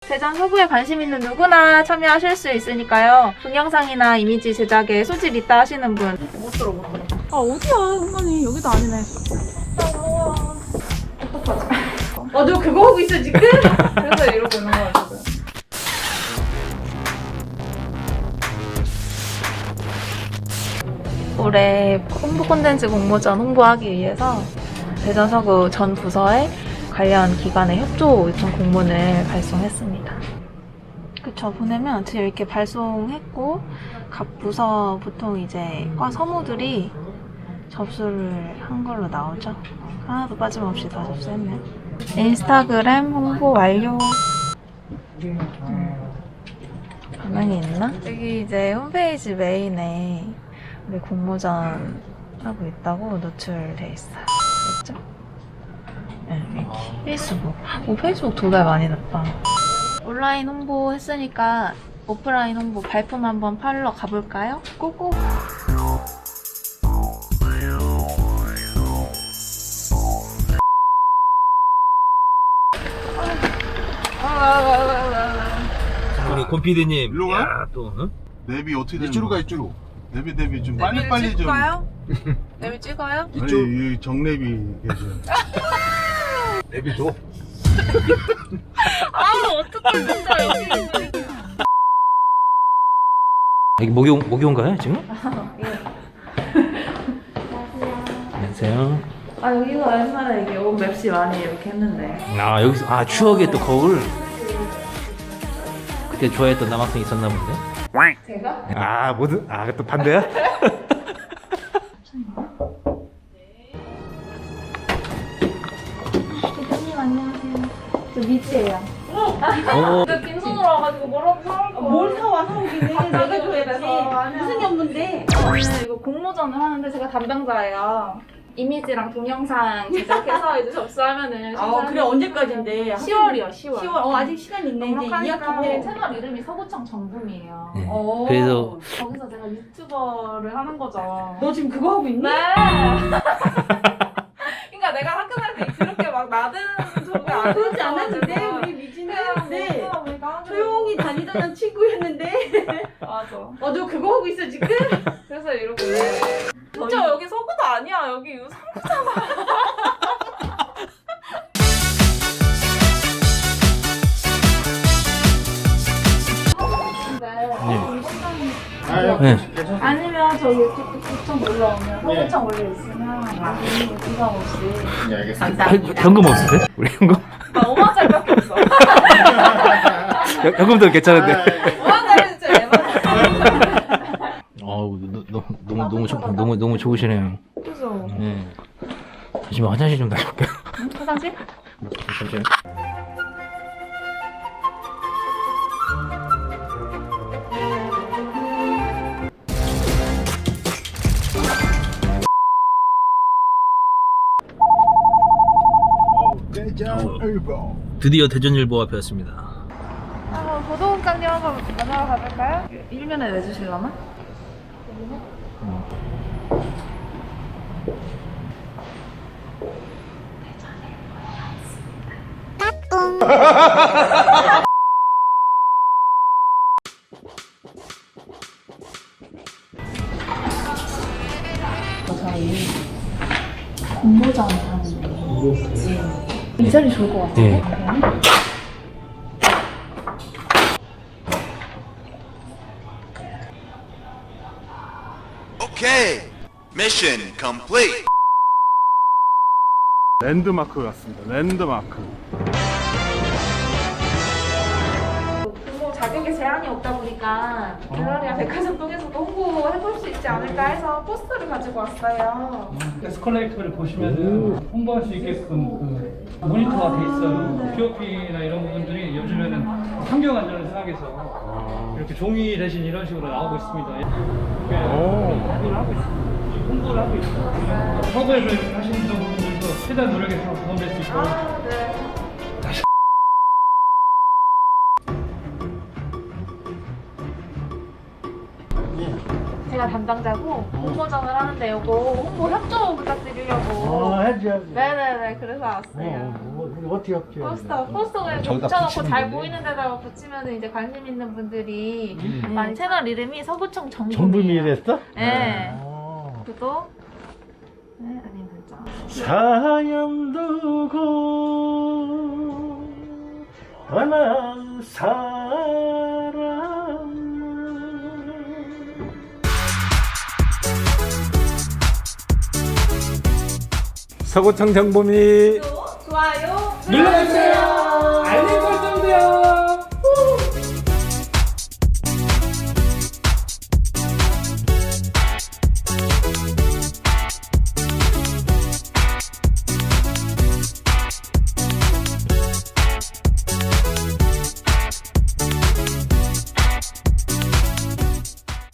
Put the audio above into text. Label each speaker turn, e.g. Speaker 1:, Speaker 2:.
Speaker 1: 대전 서구에 관심 있는 누구나 참여하실 수 있으니까요. 동영상이나 이미지 제작에 소질 있다 하시는 분 못 들어. 아 어디야 은근히 여기도 아니네. 어떡하지? 너 그거 하고 있어 지금? 그래서 이러고 있는 거야 지금. 올해 홍보 콘텐츠 공모전 홍보하기 위해서 대전 서구 전 부서에 관련 기관의 협조 요청 공문을 발송했습니다. 그쵸, 보내면 지금 이렇게 발송했고 각 부서 보통 이제 과 서무들이 접수를 한 걸로 나오죠. 하나도 빠짐없이 다 접수했네요. 인스타그램 홍보 완료. 반응이 있나? 여기 이제 홈페이지 메인에 우리 공모전 하고 있다고 노출돼 있어요. 됐죠? 네, 이렇게. 페이스북. 오, 페이스북 2배 많이 났다. 온라인 홍보 했으니까 오프라인 홍보 발품 한번 팔러 가볼까요? 고고!
Speaker 2: 우리 곰피디님
Speaker 3: 일로 와?
Speaker 2: 야, 또 응?
Speaker 3: 내비 어떻게 되는
Speaker 4: 이쪽으로 가
Speaker 3: 거야?
Speaker 4: 이쪽으로.
Speaker 3: 내비 좀 빨리 좀.
Speaker 1: 찍을까요? 내비 찍어요?
Speaker 3: 아니 이 정내비 계셔.
Speaker 4: 내비 줘.
Speaker 1: 아 어떡해 진짜 여기.
Speaker 2: 여기 목욕인가요 지금? 안녕하세요.
Speaker 1: 아 여기가 옛날에 이게 온 맵시 많이 이렇게 했는데.
Speaker 2: 아 여기서 아 추억의 또 거울. 그때 좋아했던 남학생 있었나 본데.
Speaker 1: 제가?
Speaker 2: 아 뭐든 또 반대야?
Speaker 1: 대표님 안녕하세요. 저 미지예요.
Speaker 2: 어.
Speaker 1: 내가 빈손으로 와가지고 뭐라고 사올 거야.
Speaker 5: 뭘 사와 사오기는 내가
Speaker 1: 돼서.
Speaker 5: 줘야지. 무슨 연문데?
Speaker 1: 오늘 이거 공모전을 하는데 제가 담당자예요. 이미지랑 동영상 제작해서 이제 접수하면은
Speaker 5: 그래 언제까지인데?
Speaker 1: 10월이요 10월.
Speaker 5: 10월. 아직 시간 있네. 이제
Speaker 1: 넉넉하니까
Speaker 5: 2학기 때.
Speaker 1: 채널 이름이 서구청 정붐이에요.
Speaker 2: 네.
Speaker 5: 어.
Speaker 2: 그래서
Speaker 1: 거기서 제가 유튜버를 하는 거죠.
Speaker 5: 너 지금 그거 하고 있니?
Speaker 1: 네. 그러니까 내가 학교 다닐 때 그렇게 막 나든 저게 안
Speaker 5: 그러지 않았는데
Speaker 1: 했어가지고
Speaker 5: 우리 미진은
Speaker 1: 그냥
Speaker 5: 네.
Speaker 1: 뭐 보니까 하는
Speaker 5: 조용히 다니던 친구였는데.
Speaker 1: 맞아.
Speaker 5: 너 그거 하고 있어 지금?
Speaker 1: 그래서 이러고 진짜 여기 서구도 아니야. 여기 유성구잖아.
Speaker 2: 네.
Speaker 1: 아니면 저기 구청 올라오면 서구청 올려 있으면 부담 없이.
Speaker 4: 네, 알겠습니다.
Speaker 2: 현금 없으세요? 우리 현금?
Speaker 1: 나 5만짜리밖에 없어.
Speaker 2: 현금도 괜찮은데.
Speaker 1: 5만짜리 진짜 애만.
Speaker 2: 어우 너무 좋으시네요.
Speaker 1: 그죠?
Speaker 2: 네. 잠시만 화장실 좀 다녀올게요.
Speaker 1: 화장실?
Speaker 2: 잠시만.
Speaker 4: 대전일보.
Speaker 2: 드디어 대전일보 앞에 왔습니다.
Speaker 1: 그럼 보도국장님 한번 만나러 가볼까요? 일면에 내주실라나? 저희 공모전 하는데 이 자리 좋을 것 같아요.
Speaker 2: 네.
Speaker 6: Okay, mission complete.
Speaker 3: 랜드마크 같습니다. 랜드마크.
Speaker 1: 공모 자격에 제한이 없다 보니까 갤러리아 백화점 통해서도 홍보해볼 수 있지 않을까 해서 포스터를 가지고 왔어요.
Speaker 7: 에스컬레이터를 보시면은 홍보할 수 있게끔 그 모니터가 돼 있어요. POP나 이런 부분들이 요즘에는 환경 안전을 생각해서 이렇게 종이 대신 이런 식으로 나오고 있습니다. 이렇게 홍보를 하고 있어요. 서구에서 이렇게 하시는 분들도 최대한 노력해서 도움될 수 있도록.
Speaker 1: 제가 언니가 담당자고 공모전을 하는데 요거 홍보 협조 부탁드리려고.
Speaker 4: 해줘야지.
Speaker 1: 네네네, 그래서 왔어요.
Speaker 4: 어떻게 합쳐?
Speaker 1: 포스터 그냥
Speaker 4: 저기다
Speaker 1: 붙여놓고
Speaker 4: 붙이면
Speaker 1: 잘
Speaker 4: 되네.
Speaker 1: 보이는 데다가 붙이면 이제 관심 있는 분들이 많이 채널 이름이 서구청 정부미예요.
Speaker 4: 정부미랬어?
Speaker 1: 네.
Speaker 4: 아.
Speaker 1: 구독. 네, 아니 문자.
Speaker 4: 사연 두고 떠난 사람 서구청 정보미
Speaker 5: 좋아요.
Speaker 7: 눌러주세요. 알림 설정도요.